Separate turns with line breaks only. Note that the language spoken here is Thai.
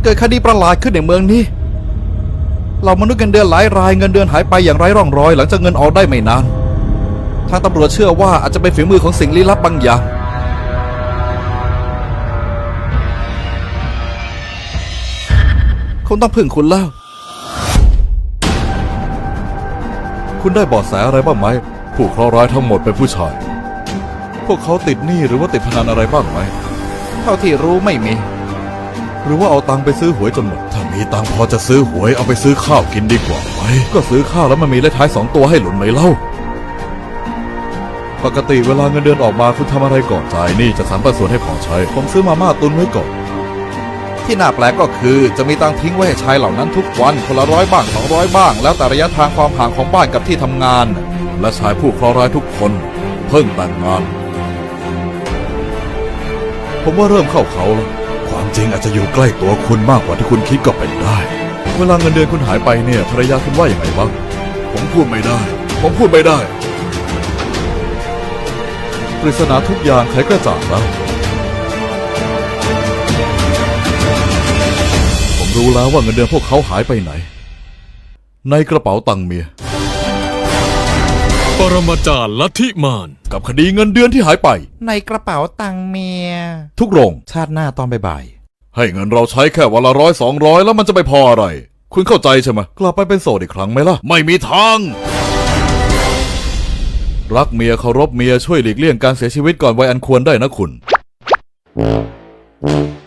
เกิดคดีประหลาดขึ้นในเมืองนี้เรามนุษย์เงินเดือนหลายรายเงินเดือนหายไปอย่างไร้ร่องรอยหลังจากเงินออกได้ไม่นานทางตำรวจเชื่อว่าอาจจะเป็นฝีมือของสิ่งลี้ลับบางอย่างคงต้องพึ่งคุณแล้วคุณได้เบาะแสอะไรบ้างไหมผู้เคราะห์ร้ายทั้งหมดเป็นผู้ชายพวกเขาติดหนี้หรือว่าติดพนันอะไรบ้างไหมเท่าที่รู้ไม่มีหรือว่าเอาตังค์ไปซื้อหวยจนหมดถ้ามีตังค์พอจะซื้อหวยเอาไปซื้อข้าวกินดีกว่าไหมก็ซื้อข้าวแล้วมันมีเลขท้าย2 ตัวให้หลุนไหมเล่าปกติเวลาเงินเดือนออกมาคุณทำอะไรก่อนจ่ายนี่จะสรรปันส่วนให้พอใช้ผมซื้อมาม่าตุนไว้ก่อนที่น่าแปลกก็คือจะมีตังค์ทิ้งไว้ให้ชายเหล่านั้นทุกวันคนละ100 บ้าง200 บ้างแล้วแต่ระยะทางความห่างของบ้านกับที่ทำงานและชายผู้เคราะห์ร้ายทุกคนเพิ่งแต่งงานผมว่าเริ่มเข้าเขาแล้วความจริงอาจจะอยู่ใกล้ตัวคุณมากกว่าที่คุณคิดก็เป็นได้เวลาเงินเดือนคุณหายไปเนี่ยภรรยาคุณว่าอย่างไรบ้างผมพูดไม่ได้ปริศนาทุกอย่างไขกระจ่างแล้วผมรู้แล้วว่าเงินเดือนพวกเขาหายไปไหนในกระเป๋าตังค์เมีย
ปรมาจารย์ลัทธิมาร
กับคดีเงินเดือนที่หายไป
ในกระเป๋าตังค์เมีย
ทุกโรง
ชาติหน้าตอนบ่าย
ให้เงินเราใช้แค่วันละ100 200แล้วมันจะไปพออะไรคุณเข้าใจใช่ไหมกลับไปเป็นโสดอีกครั้งไหมล่ะไม่มีทางรักเมียเคารพเมียช่วยหลีกเลี่ยงการเสียชีวิตก่อนวัยอันควรได้นะคุณ